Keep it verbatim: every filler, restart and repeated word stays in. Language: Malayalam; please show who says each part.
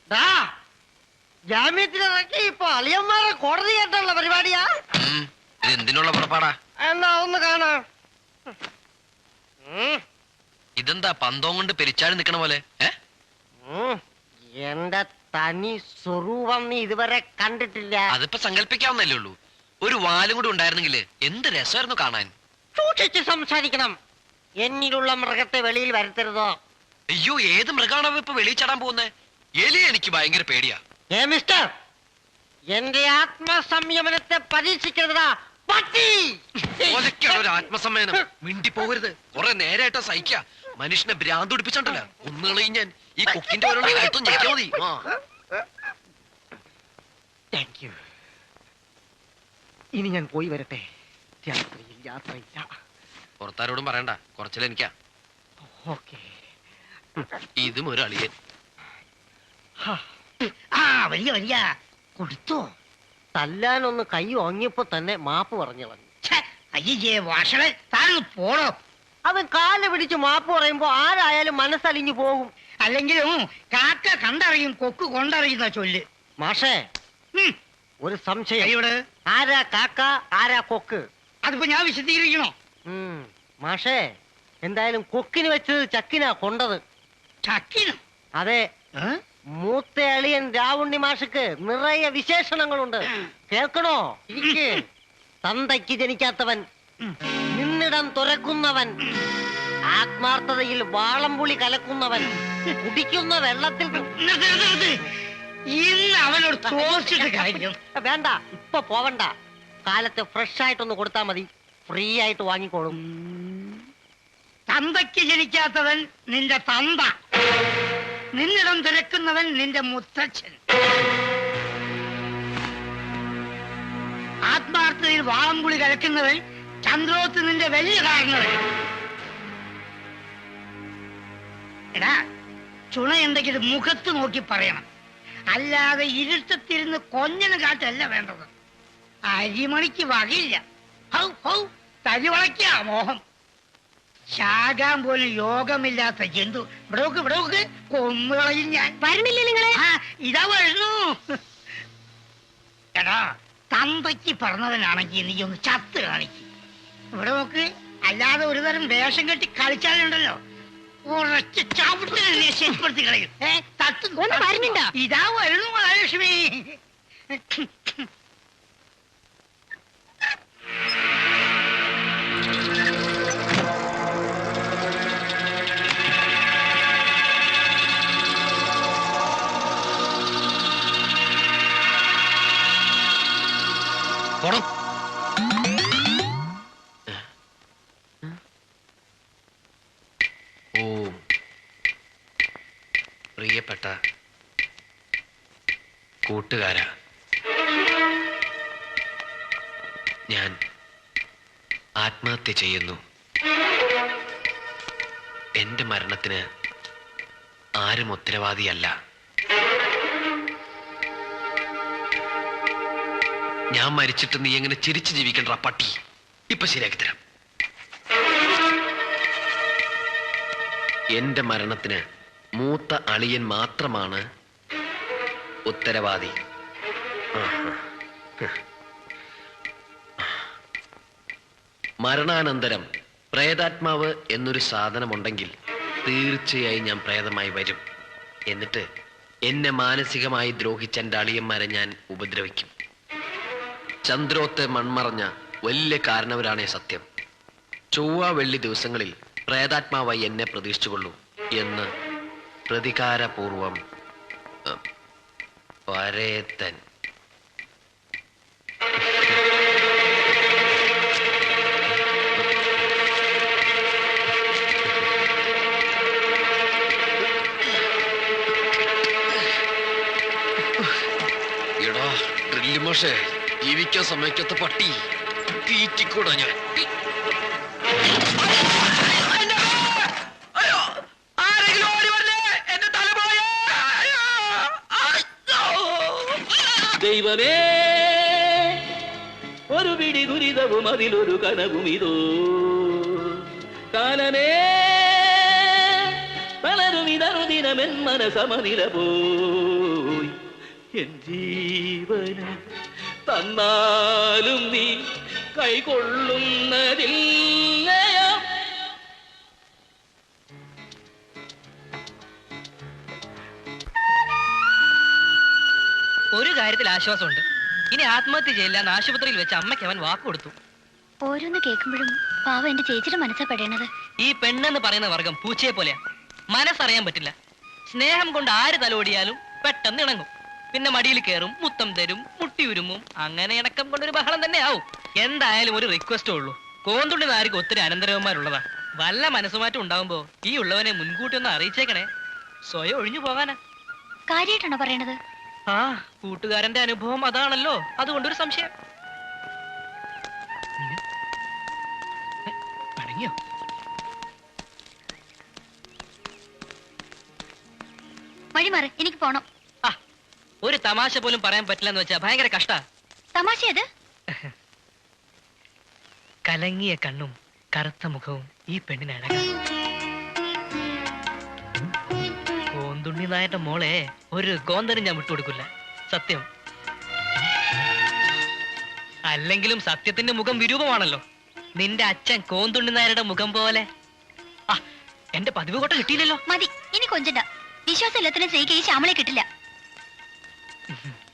Speaker 1: ജാമ്യത്തിലിറക്കി ഇപ്പൊ അളിയന്മാരെ കോടതി കേട്ടുള്ള പരിപാടിയാ.
Speaker 2: എന്തിനുള്ള പുറപ്പാടാ?
Speaker 1: എന്നാ ഒന്ന് കാണാം.
Speaker 2: ഇതെന്താ പന്തവും കൊണ്ട് പെരിച്ചാടി നിക്കണ പോലെ?
Speaker 1: എന്റെ തനി സ്വരൂപം നീ ഇതുവരെ കണ്ടിട്ടില്ല.
Speaker 2: അതിപ്പോ സങ്കല്പിക്കാവുന്നല്ലേ ഉള്ളൂ. ഒരു വാലും കൂടി ഉണ്ടായിരുന്നെങ്കിൽ എന്ത് രസമായിരുന്നു കാണാൻ.
Speaker 1: സൂക്ഷിച്ച് സംസാരിക്കണം. എന്നിലുള്ള മൃഗത്തെ വെളിയിൽ വരുത്തരുതോ.
Speaker 2: അയ്യോ, ഏത് മൃഗാണോ ഇപ്പൊ വെളിയിൽ ചാടാൻ പോകുന്നേ? എലി എനിക്ക് ഭയങ്കര പേടിയാ.
Speaker 1: ഏ മിസ്റ്റർ, എന്റെ ആത്മസംയമനത്തെ പരീക്ഷിക്കരുതാ പട്ടി.
Speaker 2: ഒരു ആത്മസംയമനം മിണ്ടി പോകരുത്. കുറെ നേരായിട്ടാ സഹിക്ക. മനുഷ്യനെ ഭ്രാന്ത് പിടിപ്പിച്ചോണ്ടല്ലോ ഒന്നുകളയും ഞാൻ. ഈ കൊക്കിന്റെ ഓരോ കാര്യത്തും ഞെക്കിയാ മതി.
Speaker 1: Thank you. ഇനി ഞാൻ പോയി വരട്ടെ. രാത്രിയിൽ യാത്രയില്ല.
Speaker 2: പുറത്താരോടും പറയണ്ട, കുറച്ചിലെനിക്കാ.
Speaker 1: ഓക്കെ.
Speaker 2: ഇതും ഒരു അളിയൻ.
Speaker 1: ആ വലിയ വലിയ കൊടുത്തോ. തല്ലാനൊന്ന് കൈ ഓങ്ങിയപ്പോ തന്നെ മാപ്പ് പറഞ്ഞു കളഞ്ഞു. അയ്യേ വാഷളെ, താഴെ പോണോ? അവൻ കാല് പിടിച്ച് മാപ്പ് പറയുമ്പോ ആരായാലും മനസ്സലിഞ്ഞു പോകും.
Speaker 3: അല്ലെങ്കിലും കാക്ക കണ്ടറിയും കൊക്ക് കൊണ്ടറിയുന്ന ചൊല്ല്.
Speaker 1: മാഷേ, ഒരു സംശയം. ആരാ കാക്ക, ആരാ കൊക്ക്?
Speaker 3: അതിപ്പോ ഞാൻ വിശദീകരിക്കണോ?
Speaker 1: മാഷേ, എന്തായാലും കൊക്കിന് വെച്ചത് ചക്കിനാ കൊണ്ടത്.
Speaker 3: ചക്കിനോ?
Speaker 1: അതെ. മൂത്ത അളിയൻ രാവുണ്ണി മാഷക്ക് നിറയെ വിശേഷണങ്ങളുണ്ട്. കേൾക്കണോ? ഇരിക്ക്. തന്തയ്ക്ക് ജനിക്കാത്തവൻ, നിന്നിടം തുറക്കുന്നവൻ, ആത്മാർത്ഥതയിൽ വാളംപുളി കലക്കുന്നവൻ, കുടിക്കുന്ന വെള്ളത്തിൽ.
Speaker 3: ഇന്ന് അവനോട് തോർച്ചിട്ട് കാര്യം
Speaker 1: വേണ്ട, ഇപ്പൊ പോവണ്ട. കാലത്ത് ഫ്രഷ് ആയിട്ടൊന്ന് കൊടുത്താൽ മതി. ഫ്രീ ആയിട്ട് വാങ്ങിക്കോളും.
Speaker 3: തന്തയ്ക്ക് ജനിക്കാത്തവൻ നിന്റെ തന്ത, നിന്നിടം തിരക്കുന്നവൻ നിന്റെ മുത്തച്ഛൻ, ആത്മാർത്ഥതയിൽ വാളംപുളി കലക്കുന്നവൻ ചന്ദ്രോത്ത് നിന്റെ വലിയ കാരണവൻ. എടാ, ചുണയുണ്ടെങ്കിൽ മുഖത്ത് നോക്കി പറയണം. അല്ലാതെ ഇരുട്ടത്തിരുന്ന് കൊഞ്ഞന് കാട്ടല്ല വേണ്ടത്. അരിമണിക്ക് വകയില്ല. ഹൗ ഹൗ തരിവളയ്ക്കാ മോഹം. ശാകാൻ പോലും യോഗമില്ലാത്ത ജന്തു. ഇവിടോക്ക് ഇവിടോക്ക് കൊന്നുകളയും ഞാൻ.
Speaker 4: വരണില്ലേ നിങ്ങളെ?
Speaker 3: ഇതാ വരുന്നു. എടാ, തന്തയ്ക്ക് പറഞ്ഞവനാണെങ്കിൽ നീ ഒന്ന് ചത്ത് കാണിക്കും. ഇവിടെ നോക്ക്. അല്ലാതെ ഒരു തരം വേഷം കെട്ടി കളിച്ചാലുണ്ടല്ലോ, ഉറച്ച് ചവിട്ടി ശരിപ്പെടുത്തി കളയും. ഏ തട്ട്
Speaker 4: വരുന്നുണ്ടോ?
Speaker 3: ഇതാ വരുന്നു മഹാലക്ഷ്മി.
Speaker 2: ഓ പ്രിയപ്പെട്ട കൂട്ടുകാരാ, ഞാൻ ആത്മഹത്യ ചെയ്യുന്നു. എന്റെ മരണത്തിന് ആരും ഉത്തരവാദിയല്ല. ഞാൻ മരിച്ചിട്ട് നീ എങ്ങനെ ചിരിച്ചു ജീവിക്കണ്ട പട്ടി. ഇപ്പൊ ശരിയാക്കി തരാം. എന്റെ മരണത്തിന് മൂത്ത അളിയൻ മാത്രമാണ് ഉത്തരവാദി. മരണാനന്തരം പ്രേതാത്മാവ് എന്നൊരു സാധനമുണ്ടെങ്കിൽ തീർച്ചയായും ഞാൻ പ്രേതമായി വരും. എന്നിട്ട് എന്നെ മാനസികമായി ദ്രോഹിച്ച എൻ്റെ അളിയന്മാരെ ഞാൻ ഉപദ്രവിക്കും. ചന്ദ്രോത്തെ മൺമറഞ്ഞ വലിയ കാരണവരാണേ സത്യം. ചൊവ്വ വെള്ളി ദിവസങ്ങളിൽ പ്രേതാത്മാവായി എന്നെ പ്രതീക്ഷിച്ചുകൊള്ളൂ എന്ന് പ്രതികാരപൂർവം പരേതൻ. എടാ ഡ്രില്ല് മോശേ, ജീവിക്കാൻ സമ്മതിക്കാത്ത പട്ടി, തീറ്റിക്കൂടാ ഞാൻ.
Speaker 5: ദൈവമേ, ഒരു പിടി ദുരിതവും അതിലൊരു കനവും ഇതോ. കാലമേ, വളരും ഇതറുദിനമെൻ മനസമനില പോ. എൻ ജീവന് തന്നാലും നീ കൈകൊള്ളുന്നതില്ലയോ?
Speaker 4: ഒരു കാര്യത്തിൽ ആശ്വാസമുണ്ട്. ഇനി ആത്മഹത്യ ചെയ്യില്ല എന്ന് ആശുപത്രിയിൽ വെച്ച് അമ്മയ്ക്ക് അവൻ വാക്ക് കൊടുത്തു.
Speaker 6: ഓരോന്ന് കേൾക്കുമ്പോഴും പാവ എന്റെ ചേച്ചിയുടെ മനസ്സാ പെടേണത്.
Speaker 4: ഈ പെണ്ണെന്ന് പറയുന്ന വർഗം പൂച്ചയെ പോലെയാ. മനസ്സറിയാൻ പറ്റില്ല. സ്നേഹം കൊണ്ട് ആര് തലോടിയാലും പെട്ടെന്ന് ഇണങ്ങും. പിന്നെ മടിയിൽ കയറും, മുത്തം തരും, മുട്ടിയുരുമും. അങ്ങനെ ഇണക്കം കൊണ്ടൊരു ബഹളം തന്നെ ആവും. എന്തായാലും ഒരു റിക്വസ്റ്റേ ഉള്ളൂ. കോന്തുള്ളി നാരിക്ക് ഒത്തിരി അനന്തരവന്മാരുള്ളതാ. വല്ല മനസ്സുമാറ്റം ഉണ്ടാവുമ്പോ ഈ ഉള്ളവനെ മുൻകൂട്ടി ഒന്ന് അറിയിച്ചേക്കണേ. സ്വയം ഒഴിഞ്ഞു പോകാനാ.
Speaker 6: കാര്യമായിട്ടാണോ പറയണത്?
Speaker 4: ആ, കൂട്ടുകാരന്റെ അനുഭവം അതാണല്ലോ. അതുകൊണ്ടൊരു സംശയം. പണങ്ങിയോ?
Speaker 6: വഴി മാറി, എനിക്ക് പോണം.
Speaker 4: ആ, ഒരു തമാശ പോലും പറയാൻ പറ്റില്ലെന്ന് വെച്ചാ ഭയങ്കര കഷ്ടാ.
Speaker 6: തമാശ അത്?
Speaker 4: കലങ്ങിയ കണ്ണും കറുത്ത മുഖവും ഈ പെണ്ണിന് അഴകാ. കോന്തുണ്ണി നായന്റെ മോളെ ഒരു കോന്തനും ഞാൻ വിട്ടുകൊടുക്കില്ല. സത്യം. അല്ലെങ്കിലും സത്യത്തിന്റെ മുഖം വിരൂപമാണല്ലോ. നിന്റെ അച്ഛൻ കോന്തുണ്ണി നായരുടെ മുഖം പോലെ. ആ, എന്റെ പതിവ് കോട്ട കിട്ടിയില്ലല്ലോ.
Speaker 6: മതി, ഇനി കൊഞ്ചണ്ട. വിശ്വാസം എല്ലാത്തിനും സ്നേഹിക്കുക ഈ ശ്യാമളെ കിട്ടില്ല.